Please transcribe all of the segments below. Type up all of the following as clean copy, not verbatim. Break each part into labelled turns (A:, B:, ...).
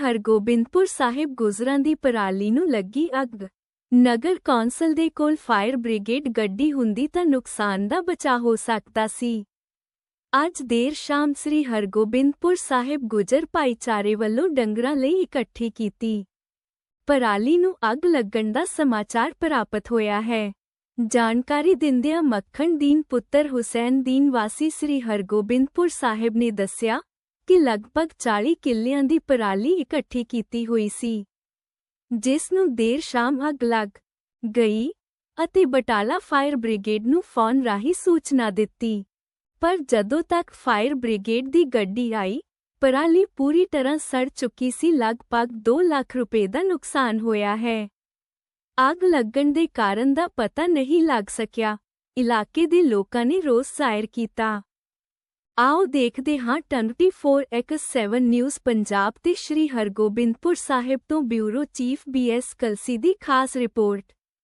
A: ਹਰਗੋਬਿੰਦਪੁਰ ਸਾਹਿਬ ਗੁਜਰਾਂ ਦੀ ਪਰਾਲੀ ਨੂੰ ਲੱਗੀ ਅੱਗ। ਨਗਰ ਕੌਂਸਲ ਦੇ ਕੋਲ ਫਾਇਰ ਬ੍ਰਿਗੇਡ ਗੱਡੀ ਹੁੰਦੀ ਤਾਂ ਨੁਕਸਾਨ ਦਾ ਬਚਾਅ ਹੋ ਸਕਦਾ ਸੀ। ਅੱਜ ਦੇਰ ਸ਼ਾਮ ਸ੍ਰੀ ਹਰਗੋਬਿੰਦਪੁਰ ਸਾਹਿਬ ਗੁਜਰ ਭਾਈਚਾਰੇ ਵੱਲੋਂ ਡੰਗਰਾਂ ਲਈ ਇਕੱਠੀ ਕੀਤੀ ਪਰਾਲੀ ਨੂੰ ਅੱਗ ਲੱਗਣ ਦਾ ਸਮਾਚਾਰ ਪ੍ਰਾਪਤ ਹੋਇਆ ਹੈ। ਜਾਣਕਾਰੀ ਦਿੰਦਿਆਂ ਮੱਖਣ ਦੀਨ ਪੁੱਤਰ ਹੁਸੈਨ ਦੀਨ ਵਾਸੀ ਸ੍ਰੀ ਹਰਗੋਬਿੰਦਪੁਰ ਸਾਹਿਬ ਨੇ ਦੱਸਿਆ ਕਿ ਲਗਭਗ 40 ਕਿੱਲਿਆਂ ਦੀ ਪਰਾਲੀ ਇਕੱਠੀ ਕੀਤੀ ਹੋਈ ਸੀ, ਜਿਸ ਨੂੰ ਦੇਰ ਸ਼ਾਮ ਅੱਗ ਲੱਗ ਗਈ ਅਤੇ ਬਟਾਲਾ ਫਾਇਰ ਬ੍ਰਿਗੇਡ ਨੂੰ ਫੋਨ ਰਾਹੀਂ ਸੂਚਨਾ ਦਿੱਤੀ। ਪਰ ਜਦੋਂ ਤੱਕ ਫਾਇਰ ਬ੍ਰਿਗੇਡ ਦੀ ਗੱਡੀ ਆਈ, ਪਰਾਲੀ ਪੂਰੀ ਤਰ੍ਹਾਂ ਸੜ ਚੁੱਕੀ ਸੀ। ਲਗਭਗ 2 ਲੱਖ ਰੁਪਏ ਦਾ ਨੁਕਸਾਨ ਹੋਇਆ ਹੈ। ਅੱਗ ਲੱਗਣ ਦੇ ਕਾਰਨ ਦਾ ਪਤਾ ਨਹੀਂ ਲੱਗ ਸਕਿਆ। ਇਲਾਕੇ ਦੇ ਲੋਕਾਂ ਨੇ ਰੋਸ ਜ਼ਾਹਿਰ ਕੀਤਾ। ਆਓ ਦੇਖਦੇ ਹਾਂ 24x7 ਨਿਊਜ਼ ਪੰਜਾਬ ਤੇ ਸ਼੍ਰੀ ਹਰਗੋਬਿੰਦਪੁਰ ਸਾਹਿਬ ਤੋਂ ਬਿਊਰੋ ਚੀਫ BS ਕਲਸੀ ਦੀ ਖਾਸ ਰਿਪੋਰਟ।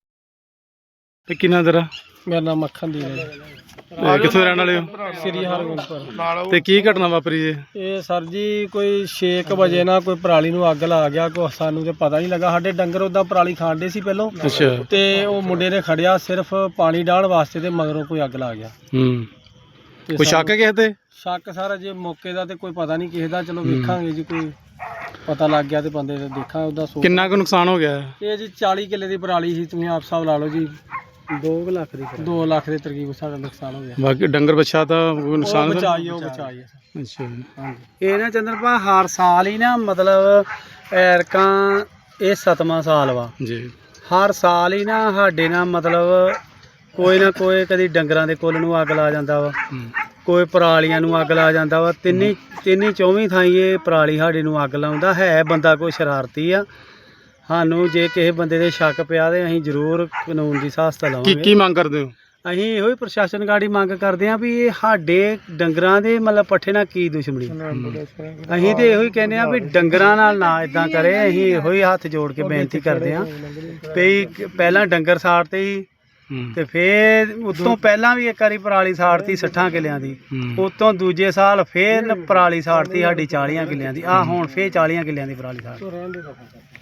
B: ਤੇ ਕਿੰਨਾ ਤੇਰਾ?
C: ਮੇਰਾ ਨਾਮ ਮੱਖਣ ਦੀਨ ਹੈ।
B: ਕਿੱਥੋਂ ਦੇ ਰਹਿਣ ਵਾਲੇ ਹੋ?
C: ਸ੍ਰੀ ਹਰਗੋਬਿੰਦਪੁਰ।
B: ਤੇ ਕੀ ਘਟਨਾ ਵਾਪਰੀ ਜੀ?
C: ਇਹ ਸਰ ਜੀ ਕੋਈ 6 ਵਜੇ ਨਾ ਕੋਈ ਪਰਾਲੀ ਨੂੰ ਅੱਗ ਲਾ ਗਿਆ। ਕੋਈ ਸਾਨੂੰ ਤੇ ਪਤਾ ਨਹੀਂ ਲੱਗਾ। ਸਾਡੇ ਡੰਗਰ ਉਦਾਂ ਪਰਾਲੀ ਖਾਂਦੇ ਸੀ ਪਹਿਲੋਂ।
B: ਅੱਛਾ।
C: ਤੇ ਉਹ ਮੁੰਡੇ ਨੇ ਖੜਿਆ ਸਿਰਫ ਪਾਣੀ ਡਾਹਣ ਵਾਸਤੇ ਤੇ ਮਗਰੋਂ ਕੋਈ ਅੱਗ ਲਾ ਗਿਆ। ਤੇ
B: ਕੋਈ ਸ਼ੱਕ ਹੈ ਕਿਸੇ ਤੇ?
C: ਸ਼ੱਕ ਸਾਰਾ ਜੇ ਮੌਕੇ ਦਾ ਤੇ ਕੋਈ ਪਤਾ ਨਹੀਂ ਕਿਸੇ ਦਾ। ਚਲੋ ਵੇਖਾਂਗੇ ਜੀ, ਕੋਈ ਪਤਾ ਲੱਗ ਗਿਆ ਤੇ ਬੰਦੇ ਦਾ ਦੇਖਾਂ ਉਹਦਾ।
B: ਕਿੰਨਾ ਕੁ ਨੁਕਸਾਨ ਹੋ ਗਿਆ?
C: ਇਹ ਜੀ 40 ਕਿੱਲੇ ਦੀ ਪਰਾਲੀ ਸੀ। ਤੁਸੀਂ ਆਪ ਹਿਸਾਬ ਲਾ ਲਓ ਜੀ। 2 ਲੱਖ ਦੇ ਤਰਕੀਬ ਸਾਡਾ ਨੁਕਸਾਨ ਹੋ ਗਿਆ।
B: ਬਾਕੀ ਡੰਗਰ ਬੱਚਾ ਤਾਂ ਕੋਈ ਨੁਕਸਾਨ
C: ਉਹ ਬਚਾਈ।
B: ਅੱਛਾ।
C: ਹਾਂਜੀ। ਇਹ ਨਾ ਚੰਦਰਪਾ ਹਰ ਸਾਲ ਹੀ ਨਾ ਮਤਲਬ ਐਰਕਾਂ ਇਹ 7ਵਾਂ ਸਾਲ ਵਾ
B: ਜੀ।
C: ਹਰ ਸਾਲ ਹੀ ਨਾ ਸਾਡੇ ਨਾਲ ਮਤਲਬ ਕੋਈ ਨਾ ਕੋਈ ਕਦੀ ਡੰਗਰਾਂ ਦੇ ਕੁੱਲ ਨੂੰ ਅੱਗ ਲਾ ਜਾਂਦਾ ਵਾ, ਕੋਈ ਪਰਾਲੀਆਂ ਨੂੰ ਅੱਗ ਲਾ ਜਾਂਦਾ ਵਾ। ਤਿੰਨੀ 24 ਥਾਈਂ ਇਹ ਪਰਾਲੀ ਸਾਡੇ ਨੂੰ ਅੱਗ ਲਾਉਂਦਾ ਹੈ। ਬੰਦਾ ਕੋਈ ਸ਼ਰਾਰਤੀ ਆ। ਸਾਨੂੰ ਜੇ ਕਿਸੇ ਬੰਦੇ ਦੇ ਸ਼ੱਕ ਪਿਆ ਤੇ ਅਸੀਂ ਜ਼ਰੂਰ ਕਾਨੂੰਨ ਦੀ ਸਹਾਇਤਾ ਲਵਾਂਗੇ।
B: ਕੀ ਮੰਗ ਕਰਦੇ ਹੋ?
C: ਅਸੀਂ ਇਹੋ ਹੀ ਪ੍ਰਸ਼ਾਸਨ ਗਾੜੀ ਮੰਗ ਕਰਦੇ ਹਾਂ ਵੀ ਇਹ ਸਾਡੇ ਡੰਗਰਾਂ ਦੇ ਮਤਲਬ ਪੱਠੇ ਨਾਲ ਕੀ ਦੁਸ਼ਮਣੀ। ਅਸੀਂ ਤੇ ਇਹੋ ਹੀ ਕਹਿੰਦੇ ਹਾਂ ਵੀ ਡੰਗਰਾਂ ਨਾਲ ਨਾ ਇਦਾਂ ਕਰੇ। ਅਸੀਂ ਇਹੋ ਹੀ ਹੱਥ ਜੋੜ ਕੇ ਬੇਨਤੀ ਕਰਦੇ ਹਾਂ ਵੀ ਪਹਿਲਾਂ ਡੰਗਰ ਸਾੜਤੇ ਸੀ ਤੇ ਫੇਰ ਉਤੋਂ ਪਹਿਲਾਂ ਵੀ ਇੱਕ ਵਾਰੀ ਪਰਾਲੀ ਸਾੜਤੀ 60 ਕਿੱਲਿਆਂ ਦੀ। ਉਤੋਂ ਦੂਜੇ ਸਾਲ ਫੇਰ ਪਰਾਲੀ ਸਾੜਤੀ ਸਾਡੀ 40 ਕਿੱਲਿਆਂ ਦੀ। ਹੁਣ ਫੇਰ 40 ਕਿੱਲਿਆਂ ਦੀ ਪਰਾਲੀ ਸਾੜ।